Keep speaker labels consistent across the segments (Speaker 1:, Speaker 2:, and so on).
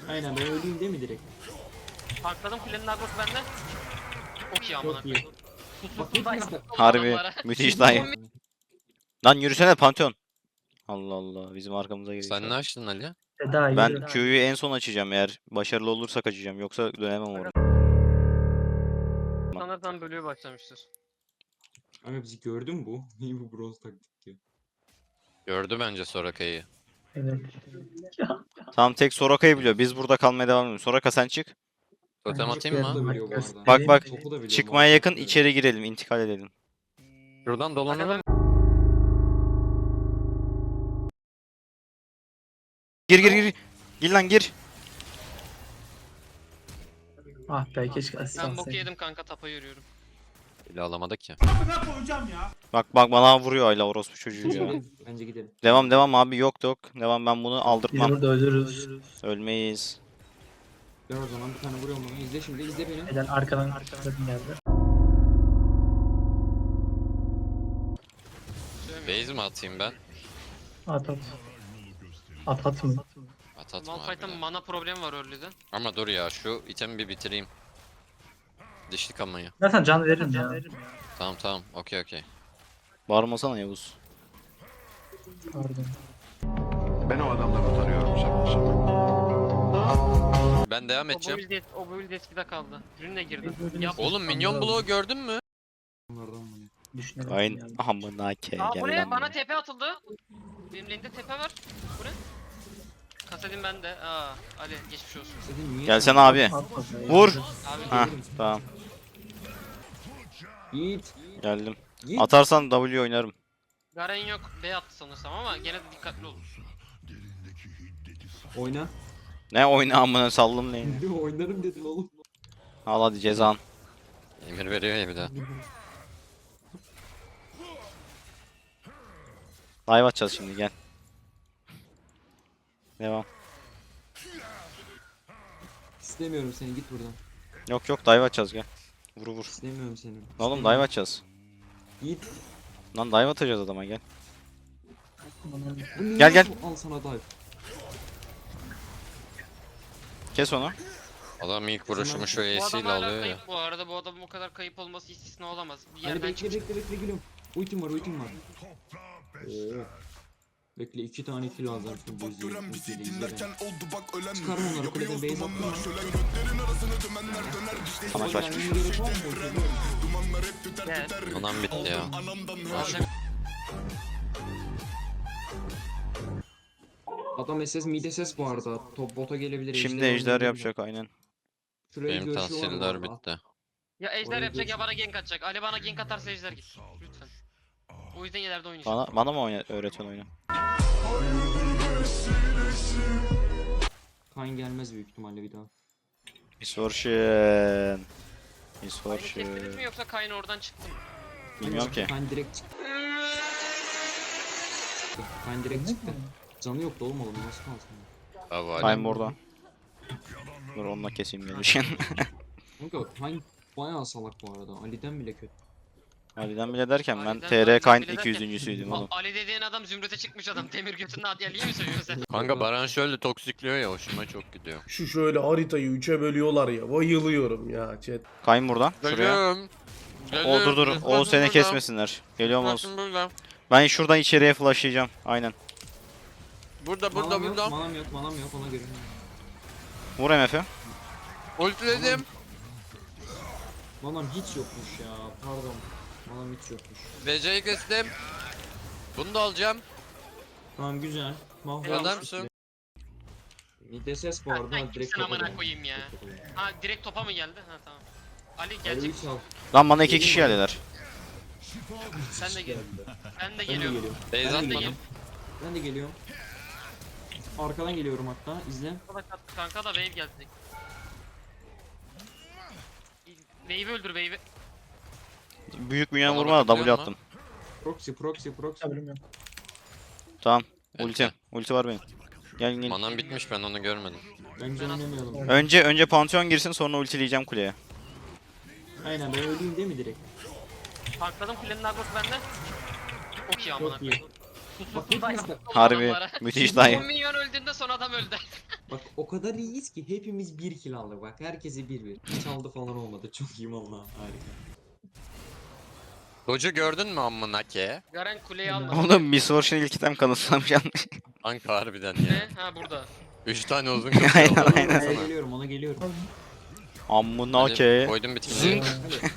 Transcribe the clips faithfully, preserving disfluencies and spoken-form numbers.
Speaker 1: Aynen ben öleyim değil mi direkt?
Speaker 2: Takladım kulenin agrosu bende. Çok iyi amına
Speaker 1: Çok iyi.
Speaker 2: koyayım.
Speaker 1: Bak
Speaker 2: Kusursuz
Speaker 1: hepimiz
Speaker 2: dive
Speaker 1: bak.
Speaker 3: Harbi
Speaker 2: adamlara.
Speaker 3: müthiş dayı. Lan yürüsene Pantheon. Allah Allah bizim arkamıza geliyor.
Speaker 4: Sen ne açtın Ali?
Speaker 5: Daha
Speaker 3: Ben
Speaker 5: yürü.
Speaker 3: Q'yu en son açacağım eğer başarılı olursak açacağım yoksa dönemem oraya.
Speaker 2: Sanırsan bölüğü başlamıştır.
Speaker 1: Ama bizi gördün mü bu? İyi bu bronz taktik ya.
Speaker 4: Gördü bence Soraka'yı.
Speaker 5: Evet. Ya.
Speaker 3: Tamam tek Soraka'yı biliyor. Biz burada kalmaya devam ediyoruz. Soraka sen çık.
Speaker 4: Totem
Speaker 5: Bence
Speaker 4: atayım
Speaker 1: Topu
Speaker 4: mı?
Speaker 1: da biliyor bu arada.
Speaker 3: Bak bak
Speaker 1: Topu da biliyor bu
Speaker 3: çıkmaya
Speaker 1: arada.
Speaker 3: yakın içeri girelim intikal edelim.
Speaker 4: Şuradan dolanalım.
Speaker 3: Gir gir gir. Gir lan gir.
Speaker 5: Ah be keşke
Speaker 2: Ben
Speaker 5: asistan
Speaker 2: boku
Speaker 5: sayın.
Speaker 2: yedim kanka, tapa yürüyorum.
Speaker 4: Eli alamadık ya.
Speaker 3: Bak bak bana vuruyor hala orospu çocuğu ya.
Speaker 1: Gidelim, bence gidelim.
Speaker 3: Devam devam abi yok yok. Devam ben bunu
Speaker 5: Biz
Speaker 3: aldırtmam.
Speaker 5: burada ölürüz.
Speaker 3: Ölmeyiz.
Speaker 1: Gel o zaman bir tane vuruyorum bana. İzle şimdi izle beni.
Speaker 5: Neden arkadan arkadan geldi.
Speaker 4: Base mi atayım ben?
Speaker 5: At at. At at mı?
Speaker 4: At atma
Speaker 2: Malphite'ın
Speaker 4: harbiden.
Speaker 2: mana problemi var early'de.
Speaker 4: Ama dur ya şu itemi bir bitireyim. Dişli kamayı.
Speaker 5: Zaten can veririm ya.
Speaker 4: Tamam tamam okey okey.
Speaker 3: Bağırmasana Yavuz.
Speaker 5: Pardon.
Speaker 6: Ben o adamdan utanıyorum şaka şaka.
Speaker 4: Ben devam
Speaker 2: O bu
Speaker 4: edeceğim.
Speaker 2: build, o bu build eskide kaldı. Rune girdi. Yap.
Speaker 4: Oğlum minyon bloğu gördün mü?
Speaker 1: Onlardan mı?
Speaker 5: Düşünelim.
Speaker 3: Aynen.
Speaker 5: yani.
Speaker 3: Amına ke
Speaker 2: Aa
Speaker 3: gel
Speaker 2: buraya
Speaker 3: lan
Speaker 2: bana
Speaker 3: buraya.
Speaker 2: tepe atıldı. Benim lane'de tepe var. Bu ne? Kasedim bende. Aa Ali geçmiş olsun.
Speaker 1: Senin niye?
Speaker 3: Gelsene abi.
Speaker 5: At at.
Speaker 3: Vur.
Speaker 2: Abi
Speaker 3: Ha tamam
Speaker 1: Yiğit.
Speaker 3: geldim.
Speaker 1: Yiğit.
Speaker 3: Atarsan W oynarım.
Speaker 2: Garen yok. B attı sanırsam ama gene de dikkatli olun.
Speaker 1: Oyna.
Speaker 3: Ne oyna amına sallım neyini.
Speaker 1: Oynarım dedin oğlum.
Speaker 3: Al hadi cezan.
Speaker 4: Emir veriyor ya bir de.
Speaker 3: Dive atacağız şimdi gel. Devam.
Speaker 1: İstemiyorum seni git buradan.
Speaker 3: Yok yok dive atacağız gel. Vur vur.
Speaker 1: İstemiyorum seni.
Speaker 3: Oğlum dive atacağız.
Speaker 1: Yiğit.
Speaker 3: Lan dive atacağız adama gel.
Speaker 1: Bu niye
Speaker 3: Gel, gel.
Speaker 1: bu- Al sana dive.
Speaker 3: Kes onu.
Speaker 4: Adam ilk vuruşumu şu
Speaker 2: Bu adam
Speaker 4: E'siyle
Speaker 2: hala
Speaker 4: alıyor ya.
Speaker 2: kayıp bu arada. Bu adamın o kadar kayıp olması istisna olamaz. Bir
Speaker 1: Hadi
Speaker 2: yerden
Speaker 1: bekle
Speaker 2: çıkmış.
Speaker 1: bekle bekle geliyorum. Ultim var ultim var. Oo. Bekle iki tane kill alacağım şimdi izleyin. Ultiyle izle beni. Çıkarım onları kuleden base attım
Speaker 3: Sana
Speaker 1: lan.
Speaker 3: kaçmış.
Speaker 1: Gelmeye gerek var mı bu ultiyle?
Speaker 2: Gel.
Speaker 4: Anam bitti ya.
Speaker 2: Alacak.
Speaker 1: Adam S S mid S S bu arada. Top bota gelebilir.
Speaker 3: Şimdi
Speaker 1: ejder
Speaker 3: ejder
Speaker 1: oynayabilir.
Speaker 3: yapacak aynen.
Speaker 1: Şuraya
Speaker 4: Benim
Speaker 1: görüşü var bu
Speaker 4: tahsiller
Speaker 1: arada.
Speaker 4: bitti.
Speaker 2: Ya ejder
Speaker 1: Oraya
Speaker 2: yapacak ya
Speaker 1: geçin.
Speaker 2: bana gank atacak. Ali bana gank atarsa ejder git. Lütfen. O yüzden ileride oynayacağım.
Speaker 3: Bana, bana mı oyna, öğretiyorsun oyunu?
Speaker 1: Kayn gelmez büyük ihtimalle bir daha.
Speaker 3: Misfortune.
Speaker 2: Kayn'ı
Speaker 3: Misfortune.
Speaker 2: kestiniz mi yoksa Kayn oradan çıktı mı?
Speaker 3: Bilmiyorum ki.
Speaker 1: Kayn direkt çıktı. Kayn direkt çıktı. Canı yoktu oğlum oğlum nasıl kalsın?
Speaker 4: Abi Ali.
Speaker 3: Kayn burada. Dur onunla keseyim gelişin.
Speaker 1: Kanka Kayn bayağı salak bu arada. Ali'den bile kötü.
Speaker 3: Ali'den bile derken ben
Speaker 2: Ali'den-
Speaker 3: T R
Speaker 2: Ali'den
Speaker 3: Kayn
Speaker 2: bile
Speaker 3: iki yüzüncüsüydüm
Speaker 2: A-
Speaker 3: oğlum.
Speaker 2: Ali dediğin adam zümrüte çıkmış adam. Demir götünün Adyali'yi mi söylüyorsun sen?
Speaker 4: Kanka Baran şöyle toksikliyor ya hoşuma çok gidiyor.
Speaker 7: Şu şöyle haritayı üçe bölüyorlar ya. Bayılıyorum ya chat.
Speaker 3: Kayn burada. Şuraya.
Speaker 4: Geliyorum.
Speaker 3: O dur dur. O seni kesmesinler. Geliyorum Oğuz.
Speaker 4: Burada.
Speaker 3: Ben şuradan içeriye flashlayacağım. Aynen.
Speaker 4: Burada burada
Speaker 1: Manam yok,
Speaker 4: burada.
Speaker 1: manam yok, manam yok ona göre.
Speaker 3: Vur M F'i.
Speaker 4: Ultiledim.
Speaker 1: Manam hiç yokmuş ya. Pardon. Manam hiç yokmuş.
Speaker 4: V C'yi kestim. Bunu da alacağım.
Speaker 1: Tamam güzel. Mahvolmuş.
Speaker 4: Adamsın.
Speaker 1: Mid S S bu arada.
Speaker 2: Sen
Speaker 1: ha, direkt
Speaker 2: kimsin amına
Speaker 1: topa
Speaker 2: koyayım ya?
Speaker 1: dön.
Speaker 2: Ha direkt topa mı geldi? Ha tamam. Ali
Speaker 1: Ali
Speaker 2: gelecek.
Speaker 1: üç al.
Speaker 3: Lan bana iki kişi geldiler.
Speaker 2: Sen de gel. Ben de
Speaker 1: Ben de
Speaker 2: geliyorum.
Speaker 1: geliyorum.
Speaker 4: Base
Speaker 1: Ben de
Speaker 2: Ben de
Speaker 4: atmadım.
Speaker 2: gel.
Speaker 1: Ben de geliyorum. Arkadan geliyorum hatta. İzle.
Speaker 2: Kanka da- Kanka da wave geldi. Wave'i öldür wave'i.
Speaker 3: Büyük minyon
Speaker 4: Bana
Speaker 3: vurma da
Speaker 4: bakabiliyor
Speaker 3: W
Speaker 4: musun?
Speaker 3: attım.
Speaker 1: Proxy, proxy, proxy.
Speaker 5: Haberim yok.
Speaker 3: Tamam.
Speaker 4: Evet.
Speaker 3: Ulti. Ulti var benim. Gel gel.
Speaker 4: Manam bitmiş ben onu görmedim.
Speaker 1: Bence oynamayalım.
Speaker 3: Önce önce Pantheon girsin sonra ultileyeceğim kuleye.
Speaker 1: Aynen ben öleyim değil mi direkt?
Speaker 2: Takladım kulenin agrosu bende. Çok iyi amına
Speaker 1: Çok iyi.
Speaker 2: koyayım.
Speaker 1: Bak hepimiz bak,
Speaker 3: Harbi müthiş dayı.
Speaker 2: on milyon öldüğünde son adam öldü.
Speaker 1: bak o kadar iyiyiz ki hepimiz bir kill aldık bak. Herkese bir bir. Hiç aldı falan olmadı. Çok iyiyim Allah. Harika.
Speaker 4: Doge'u gördün mü amına ke?
Speaker 2: Garen kuleyi aldı.
Speaker 3: Oğlum Miss Fortune ilk item kanıtlamış yanlış.
Speaker 4: Kanka harbiden ya.
Speaker 2: Ne? Ha burada.
Speaker 4: Üç tane uzun
Speaker 3: Aynen,
Speaker 4: kaçıyor.
Speaker 3: aynen.
Speaker 1: Ona geliyorum ona geliyorum.
Speaker 3: Amına
Speaker 4: Hadi
Speaker 3: ke.
Speaker 4: koydum bir tane.
Speaker 3: Zınk.
Speaker 1: Hadi.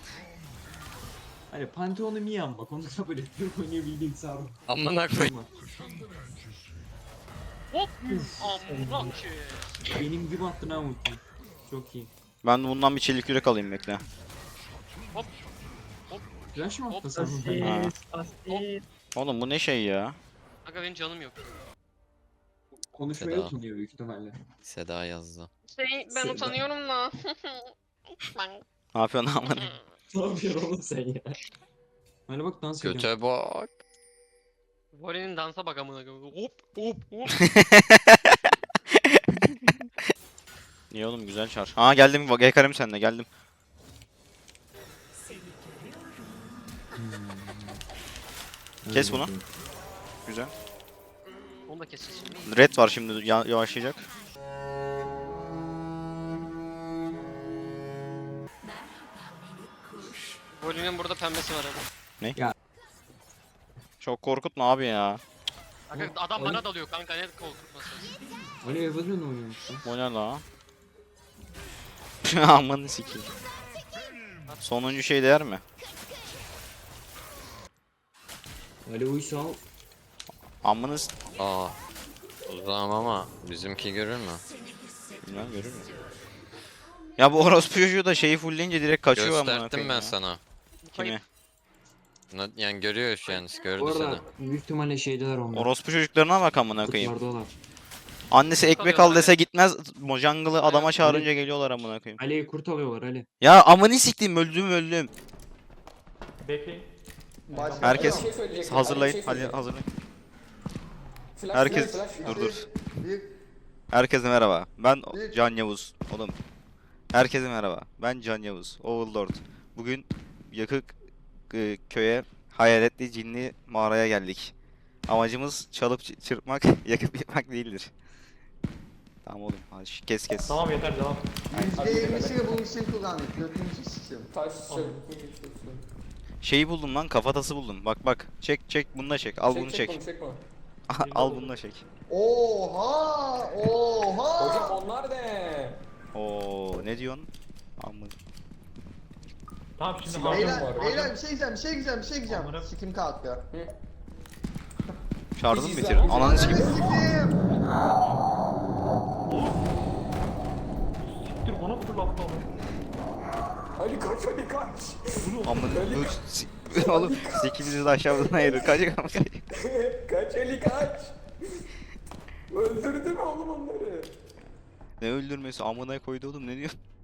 Speaker 1: Hani Pantheon'u Mian bak onu kabul ediyorum. Oynayabildiğin sarı.
Speaker 4: Amına koy.
Speaker 2: Hop. Amına ki.
Speaker 1: Benim gibi attın ha ulti. Çok iyi.
Speaker 3: Ben de bundan bir çelik yürek alayım bekle.
Speaker 1: Flash mı
Speaker 2: Hop.
Speaker 1: attı sen?
Speaker 5: Asis, asis.
Speaker 3: Oğlum bu ne şey ya?
Speaker 2: Aga benim canım yok.
Speaker 1: Konuşmaya
Speaker 4: Feda.
Speaker 1: utanıyor büyük ihtimalle.
Speaker 4: Seda yazdı.
Speaker 2: Şey ben
Speaker 1: Sen-
Speaker 2: utanıyorum da. ben.
Speaker 3: Ne yapıyorsun amına?
Speaker 1: Ne yapıyorsun oğlum sen ya? Hani bak dans ediyorum.
Speaker 4: Göte bak.
Speaker 2: Voli'nin dansa bak amına koyayım. Hop hop hop.
Speaker 3: İyi oğlum güzel çar. Aa geldim bak yakarım seninle geldim. Kes bunu. Güzel.
Speaker 2: Onu da keseceğiz şimdi.
Speaker 3: Red var şimdi ya- yavaşlayacak.
Speaker 2: Voli'nin burada pembesi var abi.
Speaker 3: Çok korkutma abi ya.
Speaker 2: Aga adam bana dalıyor kanka ne korkutması.
Speaker 1: Ali Evelyn oynuyormuş lan.
Speaker 3: O ne la? Amanı sikeyim. Sonuncu şey değer mi?
Speaker 1: Ali Uysal.
Speaker 3: Amını s-
Speaker 4: Aa. Uzağım ama bizimki görür mü?
Speaker 3: Bilmem görür mü? Ya bu orospu çocuğu da şeyi fullleyince direkt kaçıyor amına
Speaker 4: Gösterdim
Speaker 3: koyayım
Speaker 4: ben
Speaker 3: ya.
Speaker 4: sana.
Speaker 3: Kimi?
Speaker 4: Na- Yani görüyor şu an, gördü
Speaker 1: Bu
Speaker 4: seni.
Speaker 1: arada büyük ihtimalle şeydeler onlar.
Speaker 3: Orospu çocuklarına bak amına koyayım.
Speaker 1: Kutlardalar.
Speaker 3: Annesi ekmek al dese gitmez. Mojangle'ı adama
Speaker 2: Evet,
Speaker 3: çağırınca geliyorlar amına koyayım.
Speaker 1: Ali'yi kurt alıyorlar Ali.
Speaker 3: Ya amını siktim öldüm öldüm.
Speaker 8: Bekleyin.
Speaker 3: Herkes
Speaker 8: Bir şey söyleyecektim.
Speaker 3: hazırlayın.
Speaker 8: Bir şey
Speaker 3: Hadi
Speaker 8: söyleyecektim.
Speaker 3: hazırlayın.
Speaker 8: Flash,
Speaker 3: Herkes
Speaker 8: flash, flash.
Speaker 3: dur dur. Herkese merhaba. Ben Can Yavuz. Oğlum. Herkese merhaba. Ben Can Yavuz. Overlord. Bugün yakık e, köye hayaletli cinli mağaraya geldik. Amacımız çalıp çı- çırpmak, yakıp yıkmak değildir. Tamam oğlum. Hadi şu- kes kes.
Speaker 8: Tamam yeter devam.
Speaker 9: yüzde yirmisini bu için kullandık. Dördüncü sistem.
Speaker 8: Taş çek.
Speaker 3: Şeyi buldum lan, kafatası buldum. Bak bak. Çek çek bunu da çek. Al bunu çek.
Speaker 8: Bunu, çek bunu.
Speaker 3: Al bunu da çek.
Speaker 9: Oha! Oha!
Speaker 8: Hocam onlar ne?
Speaker 3: Oo ne diyorsun? Amın.
Speaker 8: Tamam şimdi
Speaker 9: Beyler,
Speaker 8: harcam var.
Speaker 9: beyler bir şey diyeceğim, bir şey diyeceğim, bir şey diyeceğim.
Speaker 8: Amına-
Speaker 9: Sikim kalktı.
Speaker 3: Çağırdın mı
Speaker 8: Biz
Speaker 3: bitirdin?
Speaker 8: izler-
Speaker 3: Ananı sikim.
Speaker 9: Sikim!
Speaker 8: Siktir bana fırlattı onu. Ali kaç Ali kaç.
Speaker 3: Amın. Dur. sik- Oğlum sikimizi de aşağıdan ayırır. Kaç kaç.
Speaker 8: Kaç Ali kaç. Öldürdün oğlum onları.
Speaker 3: Ne öldürmesi amına koydu oğlum ne diyorsun?